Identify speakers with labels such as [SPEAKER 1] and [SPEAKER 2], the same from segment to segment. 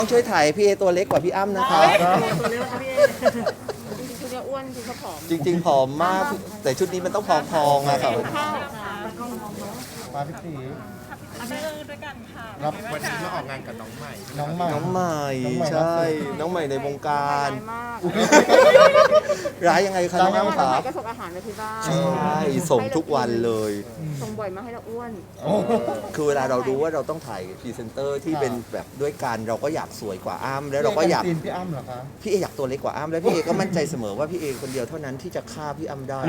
[SPEAKER 1] ต้องช่วยถ่ายพี่เอตัวเล็กกว่าพี่อ้ำนะครับ
[SPEAKER 2] ตัวเล็กครับพี่เอ
[SPEAKER 3] ชุดเนี้ยอ้วนจริงเขาผอม
[SPEAKER 1] จริงๆผอมมากแต่ชุดนี้มันต้องพองๆอะครับ
[SPEAKER 3] ข้าว
[SPEAKER 4] มาพี่ตี
[SPEAKER 2] เรื่องด้วยกันค่ะ
[SPEAKER 4] รับวันนี้มาออกงานกับน้องใหม่ น้องใหม่
[SPEAKER 1] น้องใหม่ใช่ น้องใหม่ในวงการ
[SPEAKER 3] มาก
[SPEAKER 1] ร้ายยังไงคะน้องอ้ำครับ
[SPEAKER 3] ก็ส่งอาหารมาที่บ้าน
[SPEAKER 1] ใช่ส่งทุกวันเลย
[SPEAKER 3] ส่งบ่อยมากให้เราอ้วน
[SPEAKER 1] คือเวลาเรารู้ว่าเราต้องถ่ายพรีเซนเตอร์ที่เป็นแบบด้วยกันเราก็อยากสวยกว่าอ้ำแล้วเราก็อยาก
[SPEAKER 4] ตีนพี่อ้ำเหรอคะ
[SPEAKER 1] พี่เออยากตัวเล็กกว่าอ้ำแล้วพี่เอก็มั่นใจเสมอว่าพี่เอคนเดียวเท่านั้นที่จะฆ่าพี่อ้ำได้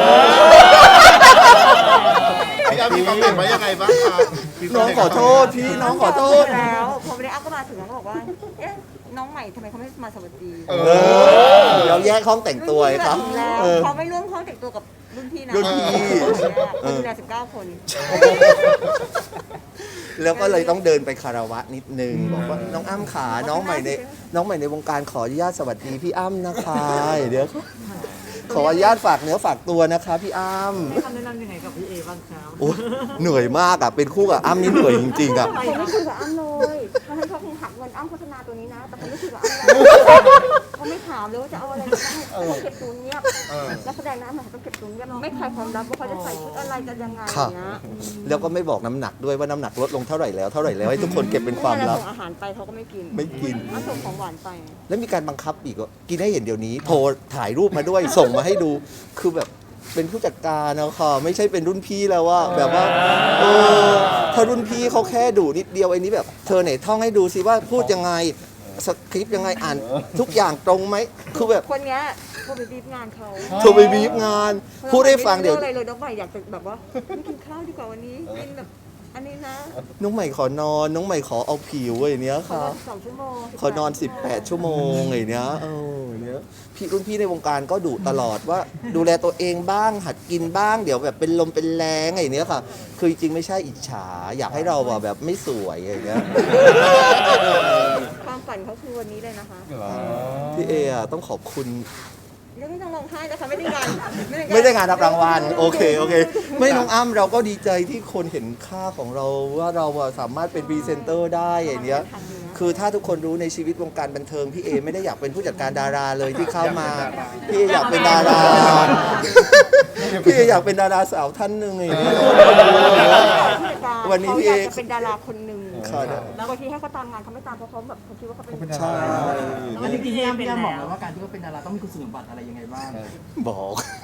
[SPEAKER 4] พี่อ้ำมีคอมเมนต์ไว้ยังไงบ้างคะ
[SPEAKER 1] น้องขอโทษพี่น้องขอโทษ
[SPEAKER 3] แล้วพอวันนี้อ้ำก็มาถึงแล้วก็บอกว่าเอ๊ะน้องใหม่ทำไมเขาไม่มาสวัสดี
[SPEAKER 1] เราแยกห้องแต่งตัวไอ้ครับ
[SPEAKER 3] แล้ว
[SPEAKER 1] เออ
[SPEAKER 3] เขาไม่ร่วมห้องแต่งตัวกับรุ่นพี่นะ
[SPEAKER 1] รุ่นพี่
[SPEAKER 3] คนดูแล19 คน
[SPEAKER 1] แล้วก็เลยต้องเดินไปคารวะนิดนึงบอกว่าน้องอ้ำขาน้องใหม่ในวงการขออนุญาตสวัสดีพี่อ้ำนะคะเดี๋ยวขออนุญาตฝากเนื้อฝากตัวนะคะพี่อ้ำ
[SPEAKER 2] คำแนะนำยังไงกับพี่เอบ้างครับ
[SPEAKER 1] โอ้เหนื่อยมากอ่ะเป็นคู่กับอ้ำนี่เหนื่อยจริงๆอ่ะ
[SPEAKER 3] เขาไม่คุยกับอ้ำเลยเขาให้เขาคงหักเงินอ้ำโฆษณาตัวนี้นะ แต่เขาไม่คุยกับอ้ำเลยเขาไม่ถามเลยว่าจะเอาอะไรเขาเก็บตัวเงียบนักแสดงนะมันต้องเก็บตัวเงียบไม่ใครความลับว่าเขาจะใส่ชุดอะไรกันยังไงอย่างเงี้ย
[SPEAKER 1] แล้วก็ไม่บอกน้ำหนักด้วยว่าน้ำหนักลดลงเท่าไหร่แล้วให้ทุกคนเก็บเป็นความลับ
[SPEAKER 3] ส่งอาหารไปเขาก็ไม่กิน
[SPEAKER 1] ไม่กิน
[SPEAKER 3] เอาส่งของหวานไป
[SPEAKER 1] แล้วมีการบังคับอีกว่ากินให้เห็นเดี๋ยวนี้ โทรถ่ายรูปมาด้วยส่งมาให้ดูคือแบบเป็นผู้จัดการนะค่ะไม่ใช่เป็นรุ่นพี่แล้วว่าแบบว่าถ้ารุ่นพี่เขาแค่ดูนิดเดียวไอ้นี้แบบเธอไหนท่องให้ดูสิว่าพูดยังไงสคริปต์ยังไงอ่านทุกอย่างตรงไหมคือแบบ
[SPEAKER 3] คนเนี้ยโทรไปบีบงานเขา
[SPEAKER 1] โทรไปบีบงานพูดให้ฟังเดี๋ยว
[SPEAKER 3] อะไรเลยน้องใหม่อยากจะแบบว่าไม่กินข้าวดีกว่าวันนี้กินแบบอันนี้นะ
[SPEAKER 1] น้องใหม่ขอนอนน้องใหม่ขอเอาผิวไอ้เนี้ย
[SPEAKER 3] ขอ
[SPEAKER 1] ค่ะ
[SPEAKER 3] นอน2 ชั่วโมง
[SPEAKER 1] ขอนอน 18 ชั่วโมงไอ้เนี้ยเนี้ยพี่รุ่นพี่ในวงการก็ดุตลอดว่าดูแลตัวเองบ้างหัดกินบ้างเดี๋ยวแบบเป็นลมเป็นแรงไอ้เนี้ยค่ะ คือจริงๆไม่ใช่อิจฉาอยากให้เราแบบไม่สวยไอ้เนี้ย
[SPEAKER 3] ความฝันเขาคือวันนี้เลยนะคะ
[SPEAKER 1] พี่เออะต้องขอบคุณ
[SPEAKER 3] เรื่องไม่ต้องร้องไห้นะคะไม่ได้งาน
[SPEAKER 1] ไม่ได้งานรับรางวัลโอเคไม่น้องอ้ำเราก็ดีใจที่คนเห็นค่าของเราว่าเราอะสามารถเป็นพรีเซนเตอร์ได้อย่างเนี้ยคือถ้าทุกคนรู้ในชีวิตวงการบันเทิงพี่เอไม่ได้อยากเป็นผู้จัดการดาราเลยที่เข้ามาพี่เออยากเป็นดาราพี่เออยากเป็นดาราสาวท่านหนึ่งอย่างเงี้ย วันนี้พี่เอ
[SPEAKER 3] ขาอยากจะเป็นดาราคนหนึ่ง
[SPEAKER 1] ค่ะ
[SPEAKER 3] แล้วบางทีให้เขาตามงานเขาไม่ตามเพราะเขาแบบเขาคิดว่าเขาเป็น
[SPEAKER 1] ใช่
[SPEAKER 2] อันนี้พี่อ้ำบอกแล้วว่าการที่เขาเป็นดาราต้องมีคุณสมบัติอะไรยังไงบ้าง
[SPEAKER 1] บอก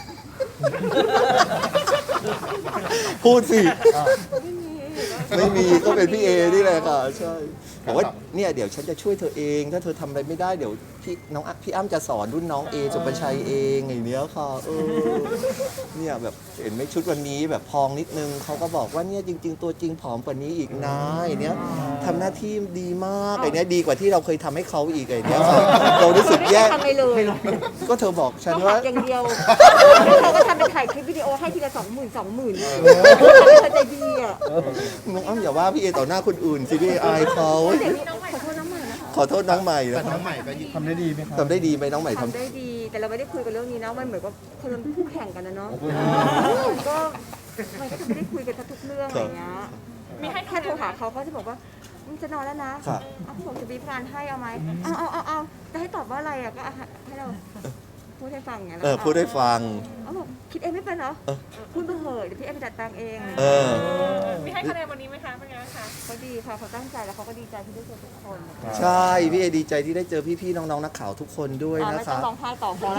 [SPEAKER 1] พูดสิ ไม่มีก็เป็นพี่เอนี่แหละค่ะใช่บอกว่าเนี่ยเดี๋ยวฉันจะช่วยเธอเองถ้าเธอทำอะไรไม่ได้เดี๋ยวพี่อ้ำจะสอนรุ่นน้องเอสุปชัยเองอย่างเนี้ยค่ะเนี่ยแบบเห็นไหมชุดวันนี้แบบพองนิดนึงเขาก็บอกว่าเนี่ยจริง ๆ ตัวจริงผอมกว่านี้อีกนะไอ้เนี้ยทำหน้าที่ดีมากไอ้เนี้ยดีกว่าที่เราเคยทำให้เขาอีกไอ้เนี้ยค่ะเรารู้สึกแย่
[SPEAKER 3] ทำไปเลย
[SPEAKER 1] ก็เธอบอกฉัน
[SPEAKER 3] เขา
[SPEAKER 1] ว่า
[SPEAKER 3] หักอย่างเดียวแล้วเขาก็ทำเป็นถ่ายคลิปวิดีโอให้ทีละ20,000เขาใจดีอ่ะ
[SPEAKER 1] น้องอ้ำอย่าว่าพี่เอต่อหน้าคนอื่นสิพี่เออายเขา
[SPEAKER 3] เดี๋ยวนี้ขอโทษน้องใหม่นะคะ
[SPEAKER 1] ขอโทษน้องใหม่
[SPEAKER 4] แต่
[SPEAKER 1] นะ
[SPEAKER 4] น้องใหม่ก็ทำได้ดีไหมครับ
[SPEAKER 1] ทำได้ดีไหมน้องใหม่ทำ
[SPEAKER 3] ทำได้ดี แต่เราไม่ได้คุยกันเรื่องนี้นะมันเหมือนกับคนเป็นคู่แข่งกันนะเนาะก็ไม่ได้คุยกันทุกเรื่องอะไรเงี้ยมีให้แค่โทรหาเขาเขาจะบอกว่ามึงจะนอนแล้วนะเอาพี่บอกจะบีบงานให้เอาไหมเอาจะให้ตอบว่าอะไรอ่ะก็ให้เราพูดให้ฟังไง
[SPEAKER 1] พูดให้ฟัง
[SPEAKER 3] เขาบอกคิดเองไม่เป็นเหรอพูดไปเถอะเดี๋ยวพี่เอไปจัดตังเอง
[SPEAKER 2] มีให้คะแนนวันนี้ไหมคะเป็นไงคะ
[SPEAKER 3] เขาดีค่ะเขาตั้งใจแล้วเขาก็ดีใจที่ได้เจอทุกคน
[SPEAKER 1] ใช่พี่เอดีใจที่ได้เจอพี่ๆน้องๆนักข่าวทุกคนด้วย
[SPEAKER 3] ไม่
[SPEAKER 1] นะ
[SPEAKER 3] ต้อ
[SPEAKER 1] คะ
[SPEAKER 3] งร้องไห้ต่อพอแล้ว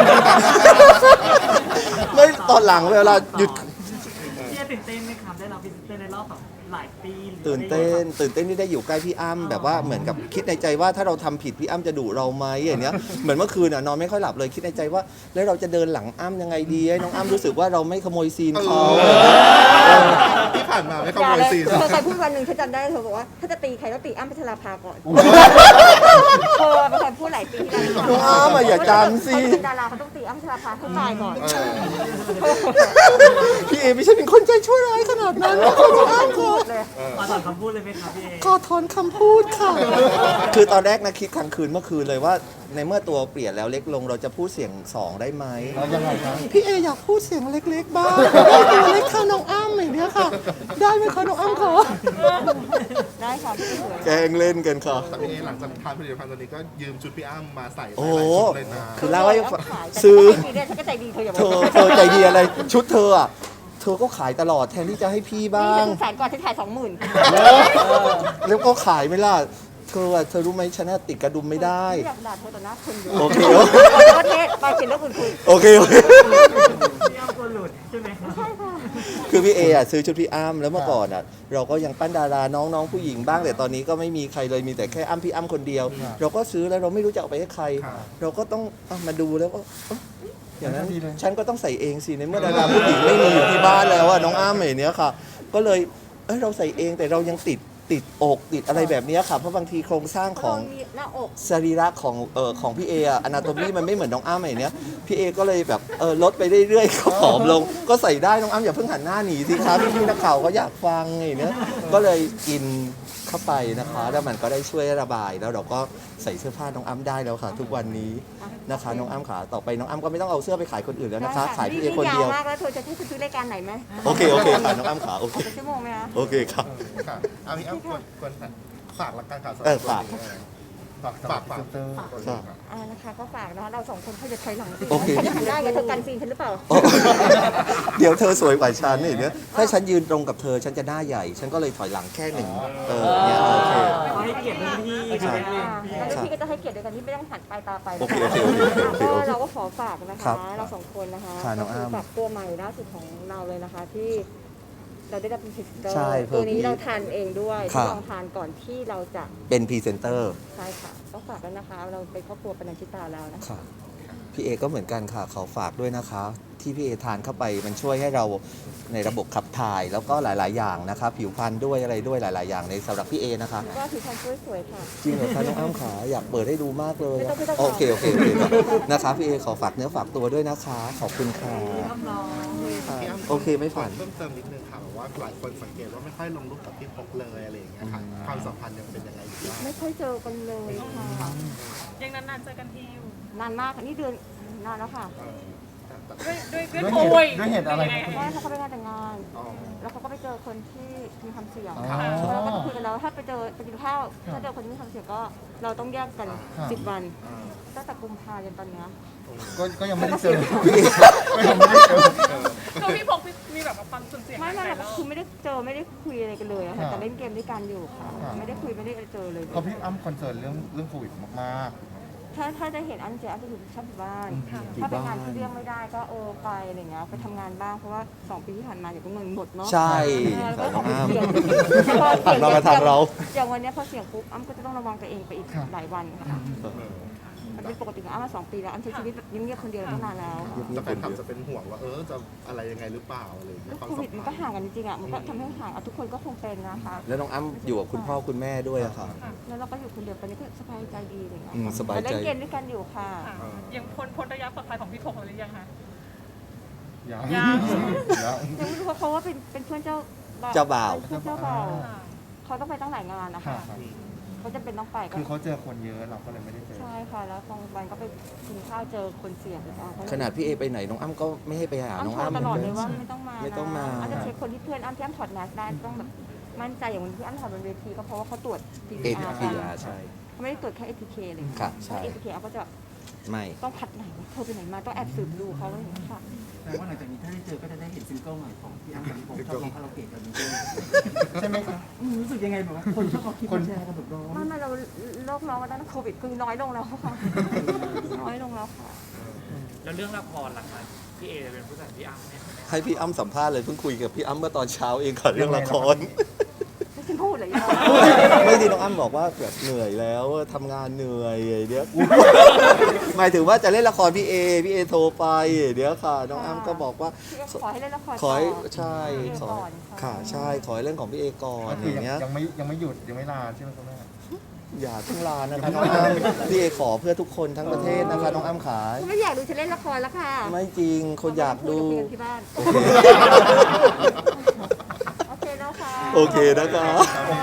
[SPEAKER 1] ไม่ตอนหลังเวลาหยุด
[SPEAKER 2] พี่ตื่นเต้นไหมครับได้รับพรีเซนเตอร์ในรอบแบบหลายปี
[SPEAKER 1] ตื่นเต้นที่ได้อยู่ใกล้พี่อ้ำแบบว่าเหมือนกับคิดในใจว่าถ้าเราทำผิดพี่อ้ำจะดุเราไหมอย่างเนี้ยเหมือนเมื่อคืนนอนไม่ค่อยหลับเลยคิดในใจว่าแล้วเราจะเดินหลังอ้ำยังไงดีให้น้องอ้ำรู้สึกว่าเราไม่ขโมยซีนเขา
[SPEAKER 4] ที่ผ่านมาไม่ข
[SPEAKER 3] อ
[SPEAKER 4] โม
[SPEAKER 3] ย่าย เลย
[SPEAKER 4] ซีน
[SPEAKER 3] เธอเคยพูดวันหนึ่งฉันจำได้เธอบอกว่าถ้าจะตีใครต้องตีอ้ำพัชราภาก่อนเธอเป็นคนพูดหลายปีที่แล้ว
[SPEAKER 1] น้องอ้ำอย่าจำสิ
[SPEAKER 3] เขาเป็นดาราเขาต้องตีอ้ำชราภาให้ตายก่อน
[SPEAKER 1] พี่เอไม่ใช่เป็นคนใจชั่วร้ายขนาดนั้นนะคะน้องอ้ำค่ะ
[SPEAKER 3] เลย
[SPEAKER 2] ขอถอนคำพูดเลยไหมครับพี่เอ
[SPEAKER 1] ขอถอนคำพูดค่ะ คือตอนแรกนะคิดกลางคืนเมื่อคืนเลยว่า ในเมื่อตัวเปลี่ยนแล้วเล็กลงเราจะพูดเสียงสองได้ไหม
[SPEAKER 4] แล้วยังไงครับ
[SPEAKER 1] พี่เออยากพูดเสียงเล็กๆบ้างตัวเล็กค่ะน้องอ้ำอย่างเนี้ยค่ะ ได้ไหมคะน้องอ้ำคะ
[SPEAKER 3] ได้ค่ะพี่สวย
[SPEAKER 1] แกล้งเล่นกันค่ะ
[SPEAKER 4] แต่พี่เอหลังจากทานผลิตภัณฑ์ตัวนี้ก็ยืมชุดพี่อ้ำมาใส่
[SPEAKER 1] โอ้
[SPEAKER 4] หลาย
[SPEAKER 1] โห
[SPEAKER 4] ชุดเลยนะ
[SPEAKER 1] คือเล่าให้
[SPEAKER 3] ขาย
[SPEAKER 1] ซื้อ
[SPEAKER 3] แต่ถ้าไม่ดีเนี่ยฉันก็ใจดีเธออย่า
[SPEAKER 1] เธอใจดีอะไรชุดเธออ่ะเธอก็ขายตลอดแทนที่จะให้พี่บ้า
[SPEAKER 3] นี่
[SPEAKER 1] ง
[SPEAKER 3] ฉันแสนก่อนฉันขาย20,000
[SPEAKER 1] แล้วก็ขายไหม่ล่ะเธออะเธอรู้ไหมฉันน่ะติดกระดุมไม่ได้
[SPEAKER 3] อยากด่าเธอต่อหน้าคนอยู่
[SPEAKER 1] โอเค
[SPEAKER 3] ประเทศไปเขียนเรื่องอื่นคุย
[SPEAKER 1] โอเค
[SPEAKER 2] พี่อ้ำกลัวหลุดใช่ไหมครับ
[SPEAKER 3] ใช่ค่ะ
[SPEAKER 1] คือพี่เออ่ะซื้อชุดพี่อ้ำแล้วเมื่อก่อนอ่ะเราก็ยังปั้นดาราน้องๆผู้หญิงบ้างแต่ตอนนี้ก็ไม่มีใครเลยมีแต่แค่อ้ำพี่อ้ำคนเดียว เราก็ซื้อแล้วเราไม่รู้จะเอาไปให้ใคร เราก็ต้องเอามาดูแล้วก็เอ้าอย่างนั้นฉันก็ต้องใส่เองสิในเมื่อดาราผู้หญิงไม่มีอยู่ที่บ้านแล้วอ่ะน้องอ้ำอย่างเนี้ยค่ะ ก็เลยเราใส่เองแต่เรายังติดอกติดอะไรแบบเนี้ยค่ะเพราะบางทีโครงสร้างของ
[SPEAKER 3] มีหน้าอก
[SPEAKER 1] สรีระของพี่เออะอนาโตมีมันไม่เหมือนน้องอ้ำอย่างเนี้ยพี่เอก็เลยแบบลดไปเรื่อยๆก็ผอมลง ก็ใส่ได้น้องอ้ำอย่าเพิ่งหันหน้าหนีสิครับพี่ๆนักข่าวก็อยากฟังอย่างเนี้ยก็เลยกินเข้าไปนะคะแล้วมันก็ได้ช่วยระบายแล้วเราก็ใส่เสื้อผ้าน้องอ้ำได้แล้วค่ะ ทุกวันนี้นะคะน้องอ้ำขาต่อไปน้องอ้ำก็ไม่ต้องเอาเสื้อไปขายคนอื่นแล้วนะคะ ขายพี่เอคนเดียว
[SPEAKER 3] ยาวมากแล้วเธอจะให้ฉันซื้อรายการไหนไหม
[SPEAKER 1] โอเคค่ะน้องอ้ำขาโอเค
[SPEAKER 3] เป็นชั่วโมงไหมคะ
[SPEAKER 1] โอเคค่ะ
[SPEAKER 4] ค่ะเอาพี่อ้ำควรฝากละกันค่ะ
[SPEAKER 1] ฝาก
[SPEAKER 3] นะคะก็ฝากนะคะเราสองคนเขาจะถอยหลังสิ
[SPEAKER 1] โอเค
[SPEAKER 3] ฉันจะทำได้ไงเธอกันซีนฉันหรือเปล่า
[SPEAKER 1] โอ้เดี๋ยวเธอสวยกว่าฉันนี่เนี่ยถ้าฉันยืนตรงกับเธอฉันจะหน้าใหญ่ ฉันก็เลยถอยหลังแค่หนึ่งเนี่ยโอเค
[SPEAKER 2] ขอให้เกียรติรุ่นพี่
[SPEAKER 1] ใช่
[SPEAKER 3] แล้วพี่ก็จะให้เกียรติโดยการที่ไม่ต้องหันปลายตาไป
[SPEAKER 1] โอ
[SPEAKER 3] นะ
[SPEAKER 1] เค
[SPEAKER 3] คะ
[SPEAKER 1] โอเค
[SPEAKER 3] ก็เราก็ขอฝากนะ
[SPEAKER 1] ครั
[SPEAKER 3] คะ
[SPEAKER 1] บ
[SPEAKER 3] เราสองคนนะคะ
[SPEAKER 1] ค่ะน้องอ้ำ
[SPEAKER 3] ก็คืฝากตัวใหม่ล่าสุดของเราเลยนะคะที่เราได้รับเป็นพรีเซนเตอร์
[SPEAKER 1] ใช่
[SPEAKER 3] ตัวนี้
[SPEAKER 1] เพิ่ม
[SPEAKER 3] เราทานเองด้วย
[SPEAKER 1] ครั
[SPEAKER 3] ที่
[SPEAKER 1] บ
[SPEAKER 3] ลองทานก่อนที่เราจะ
[SPEAKER 1] เป็นพรีเซนเตอร์
[SPEAKER 3] ใช่ค่ะต้องฝากแล้วนะคะ เราเป็นครอบครัวปนัญชิตาแล้วนะคะ
[SPEAKER 1] ค่ะพี่เอก็เหมือนกันค่ะขอฝากด้วยนะคะ ที่พี่เอทานเข้าไปมันช่วยให้เราในระบบขับถ่ายแล้วก็หลาย ๆ อย่างนะคะผิวพรรณด้วยอะไรด้วยหลาย ๆ อย่างในสำหรับพี่เอนะคะ
[SPEAKER 3] ก็ผิวพรรณสวยๆค่ะ
[SPEAKER 1] จริงเหรอคะน้องอ้ำขาอยากเปิดให้ดูมากเลย
[SPEAKER 3] ไม่ต้อง
[SPEAKER 1] โอเคครับนะคะพี่เอขอฝากเนื้อฝากตัวด้วยนะคะขอบคุณค่ะค่ะโอเคไม่ฝัน
[SPEAKER 4] เพิ่มเติมนิดนึงค่ะว่าหลายคนสังเกตว่าไม่ค่อยลงรูปกับพี่พกเลยอะไรอย่างเงี้ยค่ะความสัมพันธ์ยังเป็นยังไงอยู่บ้าง
[SPEAKER 3] ไม่ค่อยเจอกันเลยค่ะ
[SPEAKER 5] ยังนานๆเจอกันทีอยู่
[SPEAKER 3] นานมากค่ะนี่เดือนนานแล้วค่ะ
[SPEAKER 5] ด้วยโควิด
[SPEAKER 4] ด้วยเหตุอะไร
[SPEAKER 3] เพราะว่าเขาไปงานแต่งงาน
[SPEAKER 4] อ๋อ
[SPEAKER 3] แล้วเขาก็ไปเจอคนที่มีความเสี่ยง
[SPEAKER 4] อ๋อ
[SPEAKER 3] เราก็คุยกันแล้วถ้าไปเจอไปกินข้าวถ้าเจอคนที่มีความเสี่ยงก็เราต้องแยกกัน 10 วันตั้งแต่กุมภาพันธ์จนตอนเนี้ย
[SPEAKER 4] ก็ยังไม่ได้เจอ
[SPEAKER 5] คือพี่พกมีแบบว่าความสุ่มเสี่ยง
[SPEAKER 3] ไม่
[SPEAKER 5] หลาย
[SPEAKER 3] ไม่
[SPEAKER 5] รอบ
[SPEAKER 3] คือไม่ได้เจอไม่ได้คุยอะไรกันเลยอะค่ะแต่เล่นเกมด้วยกันอยู่ค่ะ ไม่ได้คุยไม่ได้เจอเลย
[SPEAKER 4] เพราะพี่อ้ำคอนเซิร์นเรื่องโควิดมาก
[SPEAKER 3] ถ้าได้เห็นอันเจอันจะอยู่ชอบอยู่บ้าน ถ้าเป็นงานที่เลี่ยงไม่ได้ก็ไปอะไรเงี้ยไปทำงานบ้างเพราะว่า2 ปีที่ผ่านมาอย่างก็เงินหมดเนาะ
[SPEAKER 1] ใช่
[SPEAKER 3] แล้วก็
[SPEAKER 1] ค่ะน้องอ้ำ
[SPEAKER 3] เสี่ยง
[SPEAKER 1] ผ่านมาทางเรา
[SPEAKER 3] อย่างวันเนี้ยพอเสี่ยงปุ๊บอ้ำก็จะต้องระวังตัวเองไปอีกหลายวันค่ะมันเป็นปกติของอ้ำมา2 ปีแล้วอ้ำใช้ชีวิตแบบเงียบๆคนเดียวตั้งนานแล้ว
[SPEAKER 4] ๆแต่แฟนคลับจะเป็นห่วงว่าจะอะไรยังไงหรือเปล่าอะไรอย่างเงี้ยความ
[SPEAKER 3] โค
[SPEAKER 4] สั
[SPEAKER 3] วิด
[SPEAKER 4] ม
[SPEAKER 3] มัน
[SPEAKER 4] พั
[SPEAKER 3] ก็
[SPEAKER 4] นธ์
[SPEAKER 3] ห่างกันจริงๆอ่ะมันก็ทำให้ห่างทุกคนก็คงเป็นนะคะ
[SPEAKER 1] แล้วน้องอ้ำอยู่กับคุณพ่อคุณแม่ด้วยอะค่ะ
[SPEAKER 3] แล้วเราก็อยู่คนเดียวตอนนี้ก็สบายใจดีอะไรเงี้ย
[SPEAKER 1] สบายใจ
[SPEAKER 3] เล่นเกมด้วยกันอยู่ค่ะ
[SPEAKER 5] ค่ะยังพ้นระยะปลอดภัยของพี่พกหรือยังคะ
[SPEAKER 4] ยัง
[SPEAKER 5] ยัง
[SPEAKER 3] ยังไม่รู้ว่าเขาว่าเป็นเพื่อนเจ้า
[SPEAKER 1] เจ้าบ่าว
[SPEAKER 3] เพื่อนเจ้าบ่าวเขาต้องไปตั้งหลายงานนะคะเขาจะเป็นต้องไปก็
[SPEAKER 4] คือเขาเจอคนเยอะเราก็เลยไม่ได้เจอ
[SPEAKER 3] ใช่ค่ะแล้วบางวันก็ไปกินข้าวเจอคนเสี่ยงเลยค่ะ
[SPEAKER 1] ขนาดพี่เอไปไหนน้องอ้ำก็ไม่ให้ไปหาน้อง
[SPEAKER 3] อ้ำโทร
[SPEAKER 1] อ้ำ
[SPEAKER 3] ตลอดเลยว่าไม่ต้องมา
[SPEAKER 1] ไม่ต้องมา
[SPEAKER 3] อ้ำจะเช็คคนที่เพื่อนอ้ำที่อ้ำถอดแมสได้ต้องแบบมั่นใจอย่างวันที่อ้ำถอดบนเวทีก็เพราะว่าเขาตรวจ
[SPEAKER 1] เอ
[SPEAKER 3] PCR
[SPEAKER 1] พีอาใช่
[SPEAKER 3] เขาไม่ได้ตรวจแค่ ATK เลย
[SPEAKER 1] ค่ะใช่
[SPEAKER 3] ถ้า ATK อ้ำก็จะ
[SPEAKER 1] ไม่
[SPEAKER 3] ต้องพัดไหนวะเธอไปไหนมาต้องแอบสืบดูเขาอะไรอย่างเงี้ยค่ะ
[SPEAKER 2] แต่ว่าหลังจากนี้ถ้าได้เจอก็จะได้เห็นซิงเกิลใหม่ของพี่อ้ำกับพี่ผมชอบร้องคาราโอเกะกันด้วย
[SPEAKER 4] ใช่ไหมครับ
[SPEAKER 2] รู้สึกยังไงแบบว่าคนชอบเอาคลิปมาแชร์กันแบบร้อง
[SPEAKER 3] ไม่เราโรคร้องมาตั้งแต่โควิดคือน้อยลงแล้วค่ะ น้อยลงแล้วค่ะ
[SPEAKER 6] แล้วเรื่องละครล่ะคะพี่เอจะเป็นผู้จัดพี่อ้ำเนี่ย
[SPEAKER 1] ให้พี่อ้ำสัมภาษณ์เลยเพิ่งคุยกับพี่อ้ำเมื่อตอนเช้าเองค่ะเรื่องละคร
[SPEAKER 3] ไม่ใช่พูดเลยยัง
[SPEAKER 1] ไม่ดีน้องอ้ำบอกว่าแบบเหนื่อยแล้วทำงานเหนื่อยเดี๋ยวหมายถึงว่าจะเล่นละครพี่เอโทรไปเดี๋ยวค่ะ น้องอ้ำก็บอกว่า
[SPEAKER 3] ขอให้เล่นละคร
[SPEAKER 1] ขอให้
[SPEAKER 3] ต่
[SPEAKER 1] ใช่ขอ
[SPEAKER 3] ก่อน
[SPEAKER 1] ค่ะใช่ขอให้เรื่องของพี่เอก่อน
[SPEAKER 4] ก็
[SPEAKER 1] อ
[SPEAKER 4] คือย่าง
[SPEAKER 1] เงี้ย
[SPEAKER 4] ยังไม่หยุดยังไม่ลาใช่ไหมคุณแม่
[SPEAKER 1] อย่าเพิ่งลานะคะน้องอ้ำพี่เอขอเพื่อทุกคนทั้งประเทศนะคะน้องอ้ำขา
[SPEAKER 3] คุณไม่อยากดูฉันเล่นละครแล้วค่ะ
[SPEAKER 1] ไม่จริงคนอยากดู
[SPEAKER 3] คุยกันที่บ้าน
[SPEAKER 1] โอเค
[SPEAKER 3] โอเคแล้วค่ะ
[SPEAKER 1] โอเคนะคะ